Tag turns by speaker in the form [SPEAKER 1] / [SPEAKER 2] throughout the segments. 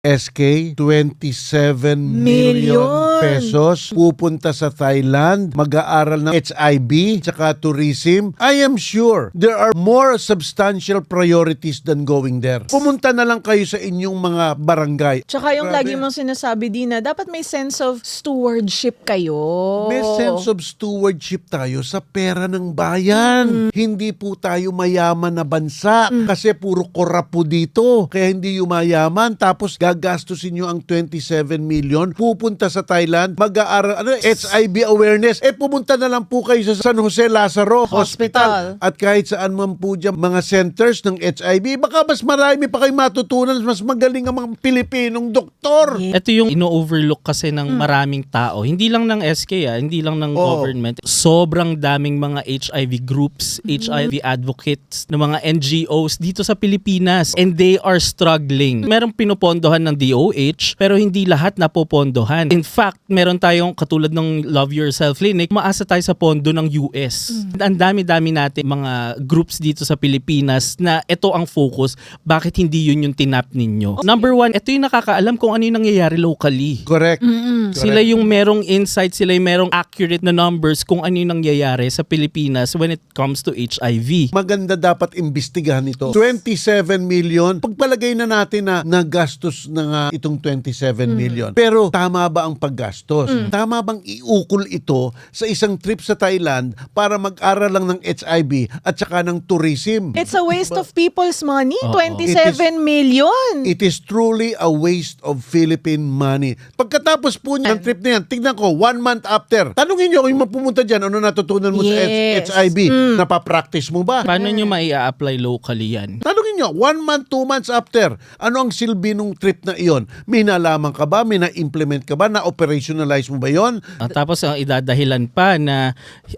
[SPEAKER 1] SK, 27 million pesos pupunta sa Thailand, mag-aaral ng HIV tsaka tourism. I am sure there are more substantial priorities than going there. Pumunta na lang kayo sa inyong mga barangay.
[SPEAKER 2] Tsaka yung
[SPEAKER 1] Grabe.
[SPEAKER 2] lagi mong sinasabi, Dina, dapat may sense of stewardship kayo.
[SPEAKER 1] May sense of stewardship tayo sa pera ng bayan. Hindi po tayo mayaman na bansa kasi puro korap po dito. Kaya hindi yumayaman. Tapos gagastusin nyo ang 27 million, pupunta sa Thailand, mag-aaral, HIV awareness. Pumunta na lang po kayo sa San Jose Lazaro Hospital. At kahit saan man po dyan, mga centers ng HIV, baka mas marami pa kayo matutunan, mas magaling ang mga Pilipinong doktor.
[SPEAKER 3] Ito yung ino-overlook kasi ng maraming tao. Hindi lang ng SK, hindi lang ng government. Sobrang daming mga HIV groups, HIV advocates, ng mga NGOs dito sa Pilipinas. And they are struggling. Merong pinupondohan ng DOH, pero hindi lahat napopondohan. In fact, meron tayong katulad ng Love Yourself Clinic, maasa tayo sa pondo ng US. Ang dami-dami natin mga groups dito sa Pilipinas na ito ang focus. Bakit hindi yun yung tinap ninyo? Number one, ito yung nakakaalam kung ano yung nangyayari locally.
[SPEAKER 1] Correct.
[SPEAKER 3] Sila yung merong insight, sila yung merong accurate na numbers kung ano yung nangyayari sa Pilipinas when it comes to HIV.
[SPEAKER 1] Maganda dapat imbestigahan ito. 27 million, pagpalagay na natin na nagastos na nga itong 27 million. Pero tama ba ang paggastos? Tama bang iukol ito sa isang trip sa Thailand para mag-aral lang ng HIV at saka ng tourism?
[SPEAKER 2] It's a waste of people's money. 27 million.
[SPEAKER 1] It is truly a waste of Philippine money. Pagkatapos po ng trip na yan, tignan ko, 1 month after, tanungin nyo kung yung mapumunta dyan, ano natutunan mo
[SPEAKER 2] Yes.
[SPEAKER 1] sa HIV? Napapractice mo ba?
[SPEAKER 3] Paano nyo mai-apply locally yan?
[SPEAKER 1] Tanungin nyo, 1 month, 2 months after, ano ang silbi nung trip na iyon? May nalaman ka ba? May na-implement ka ba? Na-operationalize mo ba yon?
[SPEAKER 3] Tapos ang idadahilan pa na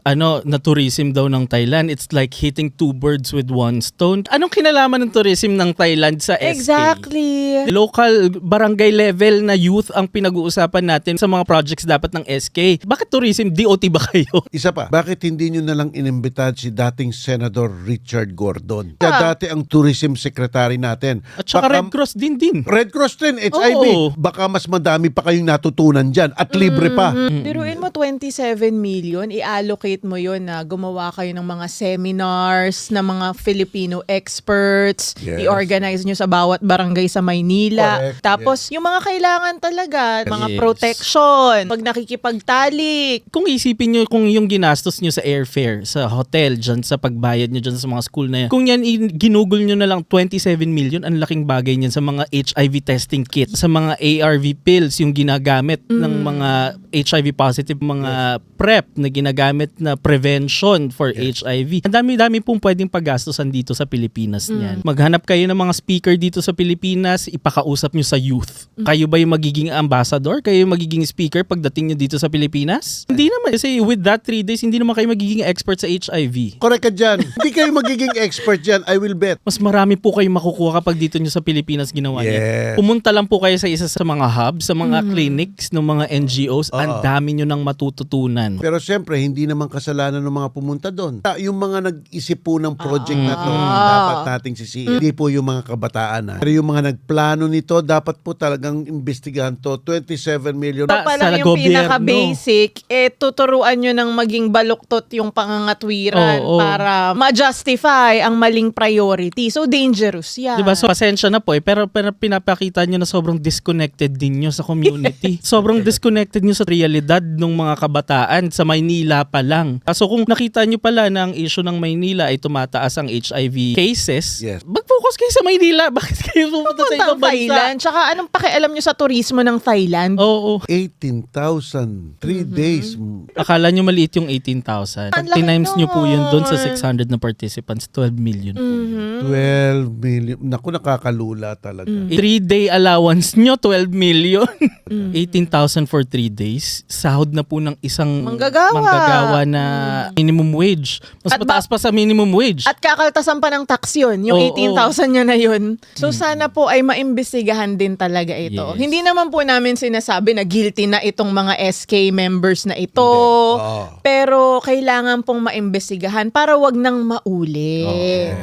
[SPEAKER 3] na tourism daw ng Thailand, it's like hitting 2 birds with 1 stone. Anong kinalaman ng tourism ng Thailand sa SK?
[SPEAKER 2] Exactly.
[SPEAKER 3] Local barangay level na youth ang pinag-uusapan natin sa mga projects dapat ng SK. Bakit tourism? DOT ba kayo?
[SPEAKER 1] Isa pa, bakit hindi nyo nalang inimbitahan si dating Senator Richard Gordon? Siya dati ang tourism secretary natin.
[SPEAKER 3] At saka
[SPEAKER 1] Baka-
[SPEAKER 3] Red Cross din.
[SPEAKER 1] Red Cross din, HIV.
[SPEAKER 3] Oo.
[SPEAKER 1] Baka mas madami pa kayong natutunan dyan at libre pa.
[SPEAKER 2] Biruin mo 27 million, i-allocate mo yun na gumawa kayo ng mga seminars ng mga Filipino experts,
[SPEAKER 1] Yes.
[SPEAKER 2] i-organize nyo sa bawat barangay sa Maynila.
[SPEAKER 1] Correct.
[SPEAKER 2] Tapos yung mga kailangan talaga, mga
[SPEAKER 3] Yes.
[SPEAKER 2] protection, pag nakikipagtalik.
[SPEAKER 3] Kung isipin nyo kung yung ginastos nyo sa airfare, sa hotel, dyan sa pagbayad nyo dyan sa mga school na yan, kung yan ginugol nyo na lang 27 million, ang laking bagay niyan sa mga HIV testing kit, sa mga ARV pills, yung ginagamit ng mga HIV positive, mga PrEP na ginagamit na prevention for HIV. Ang dami-dami pong pwedeng paggastosan dito sa Pilipinas niyan. Maghanap kayo ng mga speaker dito sa Pilipinas, ipakausap nyo sa youth. Kayo ba yung magiging ambassador? Kayo yung magiging speaker pagdating nyo dito sa Pilipinas? Hindi naman. Kasi with that 3 days, hindi naman kayo magiging expert sa HIV.
[SPEAKER 1] Correct ka dyan. Hindi kayo magiging expert dyan, I will bet.
[SPEAKER 3] Mas marami po kayo makukuha kapag dito nyo sa Pilipinas ginawa niya.
[SPEAKER 1] Yes.
[SPEAKER 3] Pumunta lang po kayo sa isa sa mga hubs, sa mga clinics ng mga NGOs. Ang dami nyo nang matututunan.
[SPEAKER 1] Pero siyempre, hindi naman kasalanan ng mga pumunta doon. Yung mga nag-isip po ng project na to, dapat nating sisihin. Hindi po yung mga kabataan. Pero yung mga nagplano nito, dapat po talagang imbestigahan to. 27 million.
[SPEAKER 2] Ito pa lang
[SPEAKER 3] sa
[SPEAKER 2] yung
[SPEAKER 3] gobyerno.
[SPEAKER 2] pinaka-basic, tuturuan nyo ng maging baluktot yung pangangatwiran
[SPEAKER 3] Oo.
[SPEAKER 2] para ma-justify ang maling priority. So, dangerous yan.
[SPEAKER 3] Diba? So, pasensya na po pero pinapakita nyo na sobrang disconnected din nyo sa community. Sobrang disconnected nyo sa realidad ng mga kabataan sa Maynila pa lang. So, kung nakita nyo pala na ang issue ng Maynila ay tumataas ang HIV cases,
[SPEAKER 1] Yes.
[SPEAKER 3] mag-focus kayo sa Maynila. Bakit kayo pupunta sa ibang
[SPEAKER 2] Puntang Thailand.
[SPEAKER 3] bansa?
[SPEAKER 2] Tsaka anong pakialam nyo sa turismo ng Thailand?
[SPEAKER 3] Oo.
[SPEAKER 1] 18,000. 3 days.
[SPEAKER 3] Akala nyo maliit yung 18,000. Pag
[SPEAKER 2] Ang laki
[SPEAKER 3] tinimes nyo po yun doon sa
[SPEAKER 2] nun.
[SPEAKER 3] 600 na participants, 12 million.
[SPEAKER 1] 12 million. Naku, nakakalula talaga.
[SPEAKER 3] 3-day allowance nyo, 12 million. 18,000 for 3 days. Sahod na po ng isang
[SPEAKER 2] Manggagawa.
[SPEAKER 3] na minimum wage. Mas
[SPEAKER 2] At
[SPEAKER 3] mataas pa sa minimum wage.
[SPEAKER 2] At kakaltasan pa ng tax yun, yung
[SPEAKER 3] Oo.
[SPEAKER 2] 18,000 nyo na yun. So sana po ay maimbestigahan din talaga ito.
[SPEAKER 3] Yes.
[SPEAKER 2] Hindi naman po namin sinasabi na guilty na itong mga SK members na ito.
[SPEAKER 1] Oo.
[SPEAKER 2] Pero kailangan pong maimbestigahan para wag nang mauli.